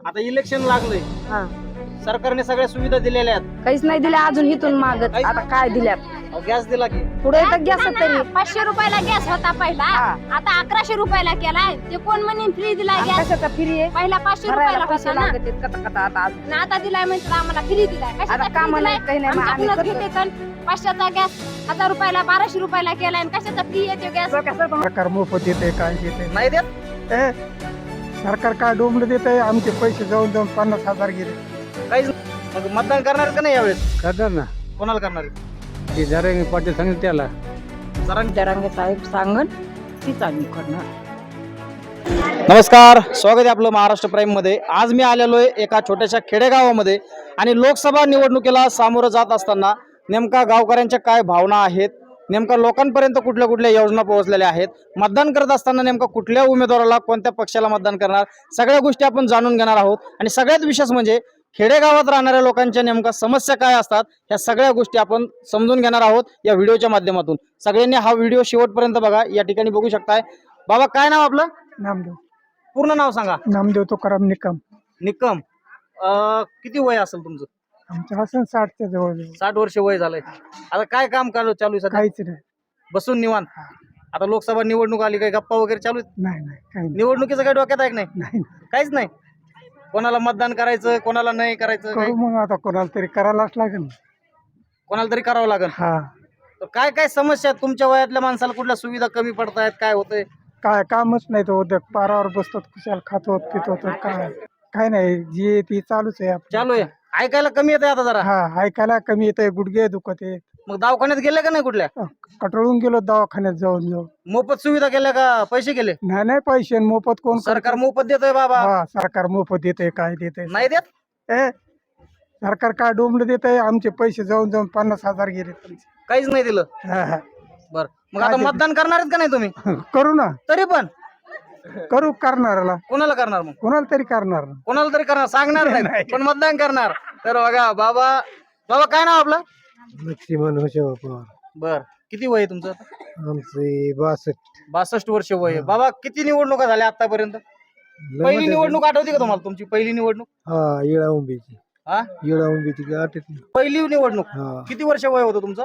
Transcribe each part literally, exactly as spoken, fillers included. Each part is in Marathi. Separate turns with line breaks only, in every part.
आता इलेक्शन लागलंय,
हा
सरकारने सगळ्या सुविधा दिलेल्या आहेत.
काहीच नाही दिल्या अजून इथून मागत. आता काय दिल्यात
अहो, गॅस दिला की
पुढे तर गॅस तरी
पाचशे रुपयाला गॅस होता पहिला,
हा.
आता अकराशे रुपयाला केलाय. ते कोण म्हणे फ्री दिलाय
आणि
गॅस?
कशाचा फ्री आहे
पहिला पाचशे
भरायला
रुपयाला
पैसे
होता ना,
लागत आहेत कथा कथा आता आज.
आणि आता दिलाय म्हणजे आम्हाला फ्री दिलाय. कशाचा
आता
free
कामाला
दिलाय?
काही नाही, मग आम्ही
आमच्याकडूनच
करतो.
घेते तर पाचशेचा गॅस हजार रुपयाला बाराशे रुपयाला केलाय, आणि कशाचा फ्री येतो गॅस?
सरकार मोफत देते काय देते
नाही देत.
ए, सरकार काय डोंबलं देत आहे आमचे पैसे जाऊन जाऊन पन्नास हजार गेले.
काहीच नाही. मग मतदान करणार का नाही यावेळेस?
करणार ना
कोणाला करणार?
ते जरा पाटील सांगितलं त्याला
जरा
जरांगे साहेब सांगन तीच आम्ही करणार.
नमस्कार, स्वागत आहे आपलं महाराष्ट्र प्राईम मध्ये. आज मी आलेलो आहे एका छोट्याशा खेडेगावामध्ये आणि लोकसभा निवडणुकीला सामोरं जात असताना नेमका गावकऱ्यांच्या काय भावना आहेत, नेमका लोकांपर्यंत कुठल्या कुठल्या योजना पोहोचलेल्या आहेत, मतदान करत असताना नेमका कुठल्या उमेदवाराला कोणत्या पक्षाला मतदान करणार, सगळ्या गोष्टी आपण जाणून घेणार आहोत. आणि सगळ्यात विशेष म्हणजे खेडेगावात राहणाऱ्या लोकांच्या नेमका समस्या काय असतात ह्या सगळ्या गोष्टी आपण समजून घेणार आहोत या व्हिडिओच्या माध्यमातून. सगळ्यांनी हा व्हिडिओ शेवटपर्यंत बघा. या ठिकाणी बघू शकताय. बाबा, काय नाव आपलं?
नामदेव
पूर्ण नाव सांगा.
नामदेव तुकाराम निकम.
निकम. अं, किती वय असेल तुमचं?
आमच्या असं साठच्या जवळ
साठ वर्ष वय झालंय. आता काय काम चालू चालू आहे सध्या?
काहीच नाही.
बसून निवांत. आता लोकसभा निवडणूक आली, काही गप्पा वगैरे चालू आहेत?
नाही नाही काही नाही.
निवडणुकीचं काही डोक्यात आहे की नाही?
नाही
काहीच नाही. कोणाला मतदान करायचं, कोणाला नाही करायचं, काही?
करू मग आता कोणाला तरी करायलाच लागेल.
कोणाला तरी करावं लागेल.
हा
तर काय काय समस्या आहेत तुमच्या वयातल्या माणसाला? कुठल्या सुविधा कमी पडतायत, काय होतंय?
काय कामच नाही तो उद्या पारावर बसतो खुशाल खातो पितो तर काय काय नाही जे ती चालूच आहे आपलं.
चालू आहे. ऐकायला कमी येते आता जरा.
हा ऐकायला कमी येत आहे, गुडघे दुखत आहे.
मग दवाखान्यात गेले का नाही कुठल्या?
कटळून गेलो दवाखान्यात जाऊन जाऊन.
मोफत सुविधा केल्या का पैसे गेले?
नाही नाही पैसे आणि मोफत कोण करतं?
सरकार मोफत देतोय बाबा.
हा सरकार मोफत देते काय देते
नाही देत.
ए सरकार काय डोंबलं देत आहे आमचे पैसे जाऊन जाऊन पन्नास हजार गेले.
काहीच नाही दिलं.
हा, हा.
बर, मग
काय
आता
ते-
मतदान करणार आहेत का नाही तुम्ही?
करू ना
तरी पण
करू करणाराला
कोणाला करणार? मग
कोणाला तरी करणार ना.
कोणाला तरी करणार, सांगणार नाही
नाही.
पण मतदान करणार. तर बघा बाबा, बाबा काय नाव आपलं?
लक्ष्मण होशेवा पवार.
बर, किती वय आहे तुमचं?
आमचे बासष्ट.
बासष्ट वर्ष वय आहे. बाबा, किती निवडणुका झाल्या आतापर्यंत? पहिली निवडणूक आठवते का तुम्हाला? तुमची पहिली निवडणूक?
हा येळा उंबीची
हा,
येळा उंबीची आठवत
पहिली निवडणूक.
हा
किती वर्ष वय होतं तुमचं?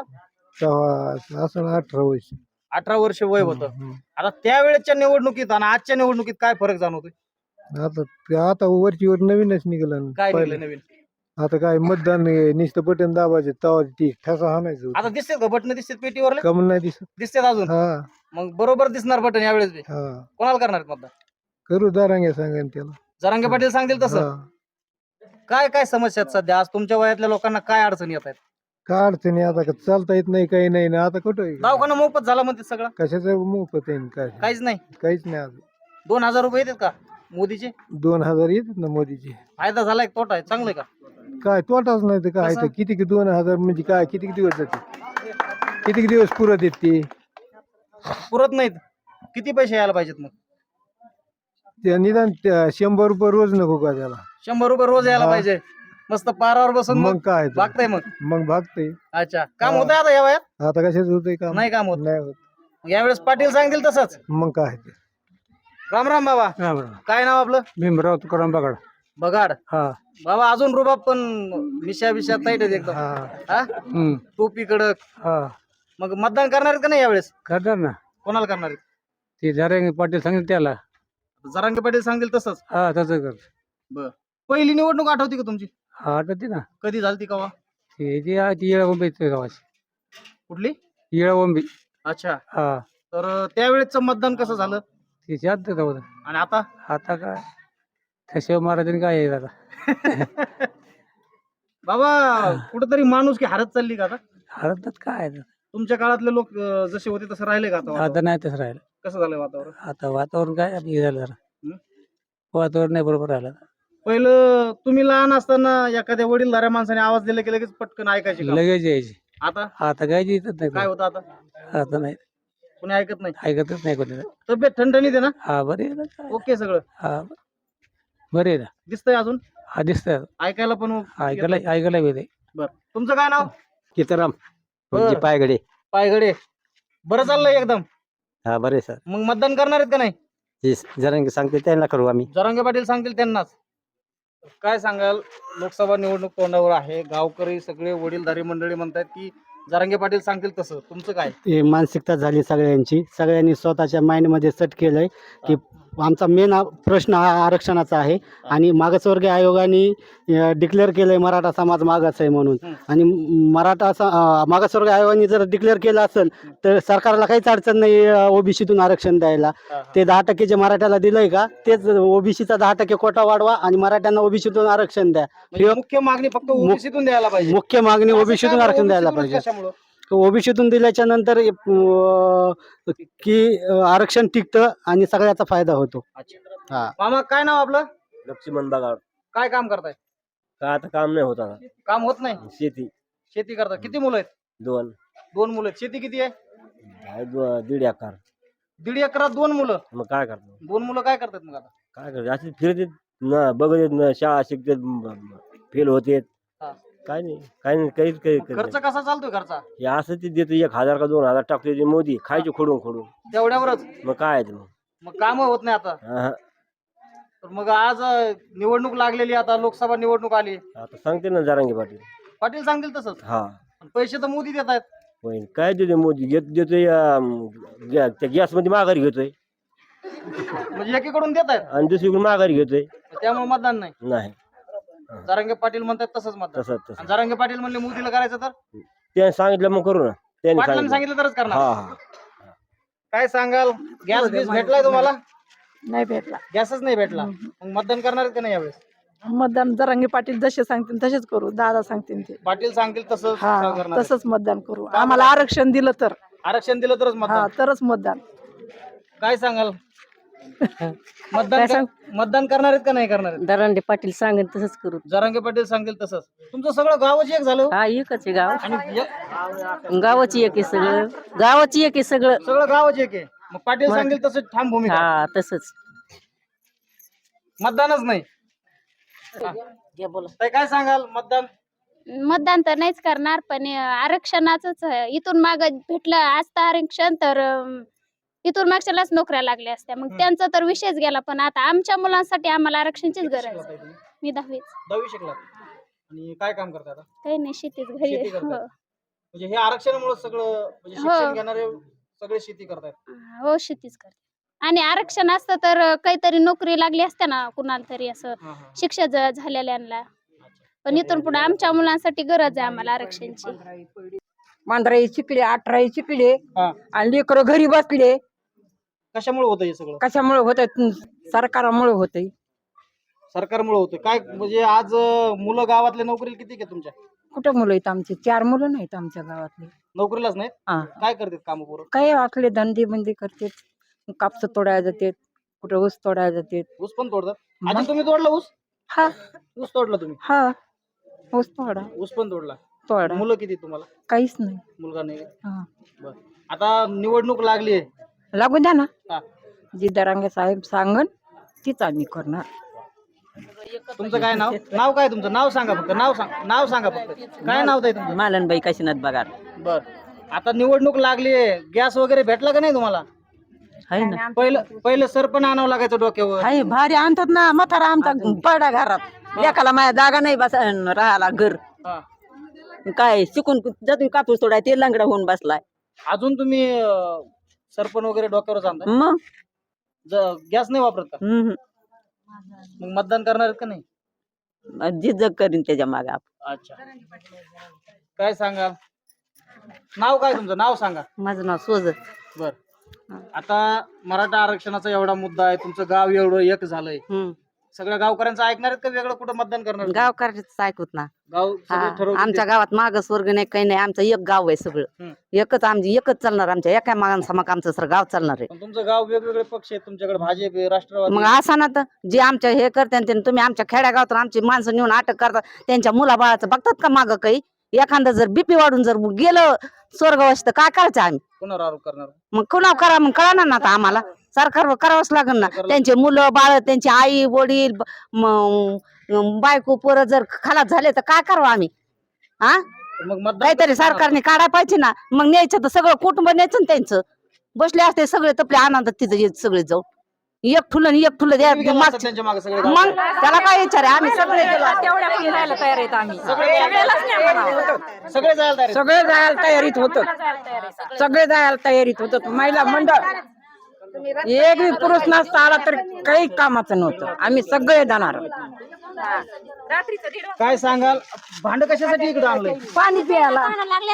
सहा असं अठरा वर्ष.
अठरा वर्ष वय होतं. आता त्यावेळेच्या निवडणुकीत आणि आजच्या निवडणुकीत काय फरक जाणवतोय?
आता आता वरची वर नवीनच निघालं
काय निघलं नवीन?
आता काय मतदान नुसतं बटन दाबायचे तवा ती ठसा हाणायचं.
आता दिसतात का बटन? दिसतात पेटीवर?
कमल नाही दिसत.
दिसतात अजून?
हा
मग बरोबर दिसणार बटन यावेळेस बी.
हा
कोणाला करणार आहेत मतदान?
करू दारांगे सांगा त्याला.
जरांगे पाटील सांगतील तसं.
हा.
काय काय समस्या आहेत सध्या? आज तुमच्या वयातल्या लोकांना काय अडचणी येत आहेत?
काय अडचणी आता का चालता येत नाही काही नाही ना आता कुठं
दवाखाना मोफत झाला म्हणते सगळं?
कशाचं मोफत आहे न काय
काहीच नाही.
काहीच नाही अजून.
दोन हजार रुपये येतात का मोदीचे?
दोन हजार येतात ना मोदीचे.
फायदा झालाय का तोटा आहे? चांगलं आहे का?
काय तोटाच नाही तर काय
कसं?
तर किती दोन हजार म्हणजे काय किती दिवस जाते किती दिवस पुरत येत ते
पुरत नाहीत. किती पैसे यायला पाहिजेत मग?
त्या निदान त्या शंभर रुपये रोज नको का त्याला.
शंभर रुपये रोज यायला
हा.
पाहिजे. मस्त पारावर बसून
मग
मग
काय तर.
भागताय मग.
मग भागते.
अच्छा, काम
हा.
होतंय आता या वयात?
आता कशाच होतंय काम?
नाही काम होत.
नाही होत.
मग यावेळेस पाटील सांगतील तसंच.
मग काय ते.
राम राम बाबा. काय नाव आपलं?
भीमराव तुकाराम बघा.
बगाड.
हा
बाबा, अजून रुबाब पण मिशा बिशा ताईट आहेत एकदम.
हा
हा,
हम्म
टोपी कडक.
हा
मग मतदान करणार आहेत का नाही यावेळेस?
करणार ना.
कोणाला करणार आहेत?
ते जरांगे पाटील सांगितलं त्याला.
जरांगे पाटील सांगतील तसंच.
हा तसं कर.
बर, पहिली निवडणूक आठवती का तुमची?
हा आठवते ना.
कधी झाली कवा?
ते जे आहे ती येळा उंबी गावाची.
कुठली?
येळा उंबी.
अच्छा,
हा
तर त्यावेळेचं मतदान कसं झालं
तिची आत होतं.
आणि आता?
आता काय ठसेव महाराजांनी काय आहे आता.
बाबा, कुठेतरी माणूस की हरत चालली का आता?
हरतात काय आहे आता.
तुमच्या काळातले लोक अं, जसे होते तसं राहिले का आता?
आता
वातावरण?
नाही तसं राहिलं.
कसं झालंय वातावरण?
आता वातावरण काय आपलं हे झालं जरा.
हं?
वातावरण नाही बरोबर राहिलं.
पहिलं तुम्ही लहान असताना एखाद्या वडीलधाऱ्या माणसाने आवाज दिला की लगेच पटकन ऐकायचे का?
लगेच यायची.
आता
आता काय येतच नाही
काय
कोणी.
होतं आता?
आता नाही
कोणी ऐकत नाही.
ऐकतच नाही कोणी.
तब्येत ठणठणीत आहे ना?
हा बरे आहे ना काय.
ओके सगळं?
हा बरे आहे ना.
दिसतंय अजून?
हा दिसतंय.
ऐकायला पण
ऐकायला ऐकायला वेळ आहे.
बर, तुमचं काय नाव?
किताराम
बरं.
पायगडे.
पायगडे. बरं चाललंय एकदम.
हा बरे सर.
मग मतदान करणार आहेत का नाही?
जरा सांगते त्यांना करू आम्ही.
जरांगे पाटील सांगतील त्यांनाच. काय सांगाल, लोकसभा निवडणूक तोंडावर आहे, गावकरी सगळे वडीलधारी मंडळी म्हणतात की जरांगे पाटील सांगतील तसं, तुमचं काय?
ही मानसिकता झाली सगळ्यांची. सगळ्यांनी स्वतःच्या माइंडमध्ये सेट केलंय की आमचा मेन प्रश्न हा आरक्षणाचा आहे आणि मागासवर्गीय आयोगाने डिक्लेअर केलंय मराठा समाज मागास आहे म्हणून. आणि मराठा स- अं, मागासवर्गीय आयोगाने जर डिक्लेअर केलं असेल तर सरकारला काहीच अडचण नाही ओबीसीतून आरक्षण द्यायला. ते दहा टक्के जे मराठ्याला दिलंय का तेच ओबीसीचा दहा टक्के कोटा वाढवा आणि मराठ्यांना ओबीसीतून आरक्षण द्या.
म्हणजे मुख्य मागणी फक्त ओबीसीतून द्यायला पाहिजे.
मुख्य मागणी
असं
ओबीसीतून
का
आरक्षण द्यायला
ओबीसीतूनच
पाहिजे.
कशामुळं?
ओबीसीतून दिल्याच्या नंतर अं, की अं, आरक्षण टिकतं आणि सगळ्याचा फायदा होतो.
अच्छा.
हा.
मामा काय नाव आपलं?
लक्ष्मण बगाड.
काय काम करताय?
का आता काम नाही होत आता.
काम होत नाही,
शेती
शेती करता. किती मुलं आहेत?
दोन
दोन मुलं आहेत. शेती किती आहे?
आहे दो- दीड एकर.
दीड एकरात दोन मुलं.
मग काय करतो,
दोन मुलं काय करतात मग आता?
काय करतो असे फिरते न बघत न शाळा शिकते फेल होते.
हा.
काय नाही काय नाही काहीच काही करत
खर्च
नाही.
कसा चालतोय खर्चा?
हे असं ते देतो एक हजार का दोन हजार टाकतो ते मोदी खायचे खोडून खोडून.
तेवढ्यावरच
मग काय आहे ते मग.
मग काम होत नाही आता.
हा.
तर मग आज अं, निवडणूक लागलेली, आता लोकसभा निवडणूक आली,
आता सांगते ना जरांगे पाटील.
पाटील सांगतील तसंच.
हा
पण पैसे तर मोदी देत आहेत.
पण काय देतो मोदी घेत देतोय अं, गॅ- त्या गॅस मध्ये माघारी घेतोय
म्हणजे एकीकडून देत आहेत,
आणि दुसरीकडून माघारी घेतोय.
त्यामुळे मतदान नाही.
नाही
जरांगे पाटील म्हणतात तसंच मतदान.
तसं तसं
आणि जरांगे पाटील म्हणले मोदीला करायचं तर
त्याने सांगितलं मग करू ना. त्याने
पाटलांनी
सांगितलं.
सांगितलं तरच करणार.
हा हा
काय सांगाल, गॅस बीस भेटलाय तुम्हाला?
नाही भेटला.
गॅसच नाही भेटला, मग मतदान करणार आहेत का नाही यावेळेस?
मतदान जरांगे पाटील जसे सांगतील तसेच करू. दादा सांगतील ते.
पाटील सांगतील तसं
हा
करणार आहेत.
तसंच मतदान करू. आम्हाला आरक्षण दिलं तर
आरक्षण दिलं तरच
हा
मतदान.
तरच मतदान.
काय सांगाल, मतदान
काय
कर- मतदान करणार आहेत का नाही करणार आहेत?
दरांडे पाटील सांगेल तसंच करू.
जरांगे पाटील सांगतील तसंच. तुमचं सगळं गावच एक झालं
हा एकच आहे गाव.
आणि एक-
गावाची एक आहे सगळं. गावाची एक आहे सगळं.
सगळं गावच एक आहे. मग पाटील सांगेल तसं ठाम भूमिका.
हा तसंच.
मतदानच नाही. ताई, काय सांगाल, मतदान?
मतदान तर नाहीच करणार, पण आरक्षणाच इथून माग भेटलं असतं आरक्षण तर अं, इथून मागच्यालाच नोकऱ्या लागल्या असत्या. मग त्यांचा तर विषयच गेला. पण आता आमच्या मुलांसाठी आम्हाला आरक्षणचीच गरज आहे.
शिकला ताई तुम्ही?
मी दहावीच.
दहावी शिकला आणि काय काम करता आता?
काही नाही, शेतीच घरी
शेती
आहे.
करता.
हो.
म्हणजे हे आरक्षणामुळे सगळं म्हणजे
हो.
शिक्षण घेणारे सगळे शेती करतात.
हो शेतीच करते. आणि आरक्षण असतं तर काहीतरी नोकरी लागली असते ना कुणाला तरी, असं
हा, हा.
शिक्षा ज- झालेल्यांना. पण इथून पुढे आमच्या मुलांसाठी गरज आहे आम्हाला आरक्षणची.
मांजराई शिकले, अठराई शिकले
हा.
आणि लेकरं घरी बसले.
कशामुळे होतं हे सगळं?
कशामुळे होत? सरकारामुळे होत.
सरकारमुळे होतं काय? म्हणजे आज अं, मुलं गावातले नोकरीला किती आहे तुमच्या?
कुठं मुलं आहेत आमचे? चार मुलं नाहीत आमच्या गावातले.
नोकरीलाच नाहीत.
हा.
काय करतात काम पोरं?
काही असले धंदे बंदे करते. कापस तोडायला जाते, कुठं ऊस तोडायला जाते.
ऊस पण तोडतात.
मग?
आधी तुम्ही तोडला ऊस?
हा
ऊस तोडला तुम्ही?
हा ऊस तोडा
ऊस पण तोडला.
तोडा.
मुलं किती तुम्हाला?
काहीच नाही.
मुलगा नाही.
हा.
बर. आता निवडणूक लागली आहे.
लागू द्या ना.
हा.
जी दरांगे साहेब सांगन तीच आम्ही करणार.
तुमचं काय नाव? नाव काय तुमचं? नाव सांगा फक्त. नाव सांग नाव सांगा फक्त. काय नाव आहे तुमचं?
मालनबाई काशीनाथ बगाड
बर. आता निवडणूक लागली आहे, गॅस वगैरे भेटला का नाही तुम्हाला?
आहे ना.
पहिलं पहिलं सरपण आणावं लागायचं डोक्यावर.
हाय भारी आणतात ना. म्हातारा आमचा पडा घरात. एकाला माझ्या जागा नाही बस राहायला घर.
हा.
काय शिकून जातून कापूस तोडाय ते लंगडा होऊन बसलाय.
अजून तुम्ही अं, सरपण वगैरे डोक्यावर आणता?
मग
गॅस नाही वापरत का?
हम्म.
मग मतदान करणार आहेत का नाही?
जे जग करीन त्याच्या मागे आपण.
अच्छा. काय सांगा, नाव काय तुमचं? नाव सांगा.
माझं नाव सोज.
बर. आता मराठा आरक्षणाचा एवढा मुद्दा आहे, तुमचं गाव एवढं एक झालंय, सगळ्या गावकऱ्यांचं ऐकणार आहेत का वेगळं कुठं मतदान करणार?
गावकऱ्याच ऐकूत ना.
गाव सगळे ठरवतील
आमच्या
ते.
गावात मागास वर्ग नाही, काही नाही. आमचं एक गाव आहे सगळं.
हम्म.
एकच आमची एकच चालणार. आमच्या एका मागांसमाक आमचं सर गाव चालणार आहे.
पण तुमचं गाव वेगवेगळे पक्ष आहेत तुमच्याकडे, भाजप आहे, राष्ट्रवादी
मग
आहे.
असा ना तर जे आमच्या हे करते ते तुम्ही आमच्या खेड्यागावात आमची माणसं नेऊन अटक करतात, त्यांच्या मुलाबाळाचं बघतात का मागं काही? एखादं जर बीपी वाढून जर गेलं स्वर्गवास तर काय करायचं आम्ही?
कोणावर आरोप करणार?
मग कुणाव करा, मग कळणार ना आता आम्हाला. सरकारवर करावंच लागेल ना. त्यांचे मुलं बाळ, त्यांची आई वडील, म- बायको पोरं जर खलास झाले तर काय करावं आम्ही? हा,
मग मतदान
काहीतरी
कसं करणार?
सरकारने काढायला पाहिजे ना. मग न्यायचं तर सगळं कुटुंब न्यायचं ना त्यांचं. बसले असते सगळे तपले आनंदात तिथं येत सगळे जाऊन. एक ठुलं आणि एक ठुलं द्या
तुम्ही गेला असता
मागचं-
त्यांच्या मागे सगळे
मग
गावकरी.
त्याला काय विचार आहे आम्ही सगळे गेलो असतो.
तेवढ्या फिरायला तयार आहेत आम्ही
सगळे सगळे जायला तयार आहेत.
सगळे जायला तयारीत होत सगळे जायला तयारीत होत महिला मंडळ एक बी पुरुष नसता आला तर काही कामाचं नव्हतं आम्ही सगळे जाणार
काय सांगाल भांड कशासाठी इकडे आणलंय?
पाणी प्यायला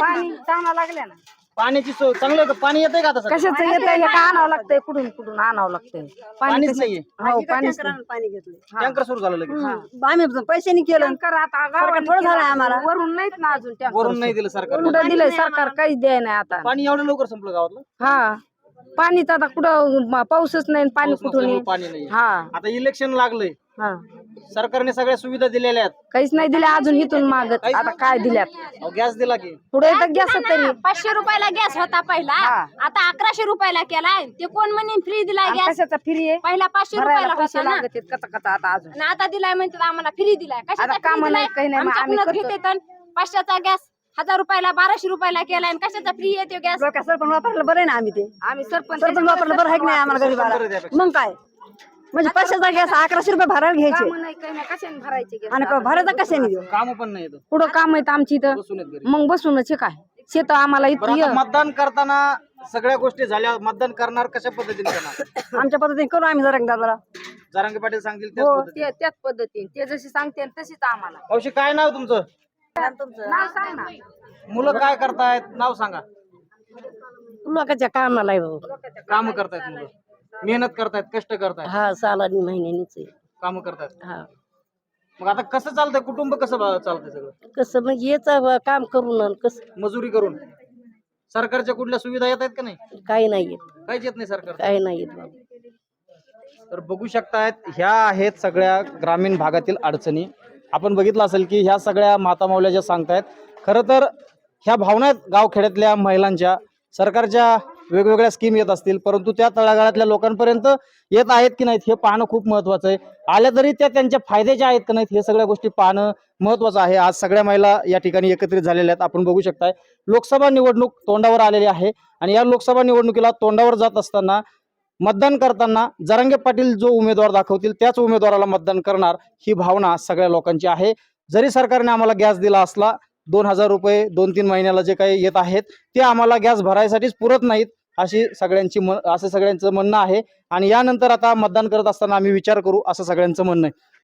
पाण्याची सोय चांगलं आहे का? पाणी येतंय का आता सध्या?
कशाचं येतंय हे का आणावं लागतंय कुठून कुठून आणावं लागतंय
पाणीच नाहीये.
हो पाणी
टँकर सुरू झालं लगेच.
आम्ही पैशाने केलं थोडं झालं आम्हाला
वरून नाहीत ना अजून
वरून नाही दिलं सरकार.
कुठं दिलंय सरकार काहीच द्याय नाही आता
पाणी एवढं लवकर संपलं गावातलं?
हा पाणीच आता कुठं म- पाऊसच नाही पाणी
पाऊस
कुठून
नसल्यामुळे
येईल?
पाणी नाही.
हा
आता इलेक्शन लागलंय,
हा
सरकारने सगळ्या सुविधा दिलेल्या आहेत.
काहीच नाही दिले अजून इथून मागत आता काय दिल्यात
अहो, गॅस दिला की?
पुढे तर गॅस तरी
पाचशे रुपयाला गॅस होता पहिला आता अकराशे रुपयाला केलाय ते कोण म्हणे फ्री दिलाय
आणि
गॅस
कशाचा फ्री आहे
पहिला पाचशे
भरायला
रुपयाला
पैसे
होता ना
लागत आहेत कचा कचा आता अजून
आणि आता दिलाय म्हणतात आम्हाला फ्री दिलाय कशाचा
आता
free
कामं
दिलाय?
नाही, काही नाही, मग आम्ही
आमच्याकडूनच
करतो.
घेते तर पाचशेचा गॅस हजार रुपयाला बाराशे रुपयाला केलाय आणि कशाचा फ्री येतो गॅस
सरपंच वापरलं बरं आहे ना आम्ही ते
आम्ही सरपंच
सरपंच वापरलं बरं आहे की नाही आम्हाला गरीबाला मग काय म्हणजे पैशाचा गॅस अकराशे रुपये भरायला घ्यायचे
कामं नाही, काही नाही, कशाने भरायचे gas?
आणि भरायचा कशाने देऊ
काम पण नाही येत.
पुढं काम आहेत आमची इथं
बसून आहेत घरी.
मग बसूनच आहे काय शेत आम्हाला
बरं,
इथं
आता मतदान करताना सगळ्या गोष्टी झाल्या, मतदान करणार कशा पद्धतीने करणार?
आमच्या पद्धतीने करू आम्ही जरा जरा
जरांगे पाटील सांगतील त्याच
हो
पद्धतीने.
ते- त्याच पद्धतीने ते जशी सांगते तशीच आम्हाला
मावशी काय नाव तुमचं?
नाव सांग ना
मुलं काय करतायत नाव सांगा.
लोकांच्या कामाला
काम करतायत मुलं, मेहनत करतायत, कष्ट करतायत,
हा सालानी महिन्यानीच
काम करतायत.
हा
मग आता कसं चालतंय कुटुंब, कसं बा- चालतंय सगळं?
कसं मग हेच काम करून कसं
मजुरी करून. सरकारच्या कुठल्या सुविधा येत आहेत का नाही?
काही नाही येत
काहीच येत नाही सरकार.
काही नाही येत बाबा
तर बघू शकतायत ह्या आहेत सगळ्या ग्रामीण भागातील अडचणी. आपण बघितलं असेल की ह्या सगळ्या माता माऊल्या ज्या सांगतायत, खरं तर ह्या भावना आहेत गावखेड्यातल्या महिलांच्या. सरकारच्या वेगवेगळ्या स्कीम येत असतील परंतु त्या तळागाळातल्या लोकांपर्यंत येत आहेत की नाहीत हे पाहणं खूप महत्त्वाचं आहे. आल्या तरी त्या त्यांच्या फायद्याच्या आहेत का नाहीत हे सगळ्या गोष्टी पाहणं महत्त्वाचं आहे. आज सगळ्या महिला या ठिकाणी एकत्रित झालेल्या आहेत. आपण बघू शकताय लोकसभा निवडणूक तोंडावर आलेली आहे आणि या लोकसभा निवडणुकीला तोंडावर जात असताना मतदान करताना जरांगे पाटील जो उमेदवार दाखवतील त्याच उमेदवाराला मतदान करणार ही भावना सगळ्या लोकांची आहे. जरी सरकारने आम्हाला गॅस दिला असला, दोन हजार रुपये दोन तीन महिन्याला जे काही येत आहेत ते आम्हाला गॅस भरायसाठीच पुरत नाहीत अशी सगळ्यांची म असं सगळ्यांचं म्हणणं आहे. आणि यानंतर आता मतदान करत असताना आम्ही विचार करू असं सगळ्यांचं म्हणणं आहे.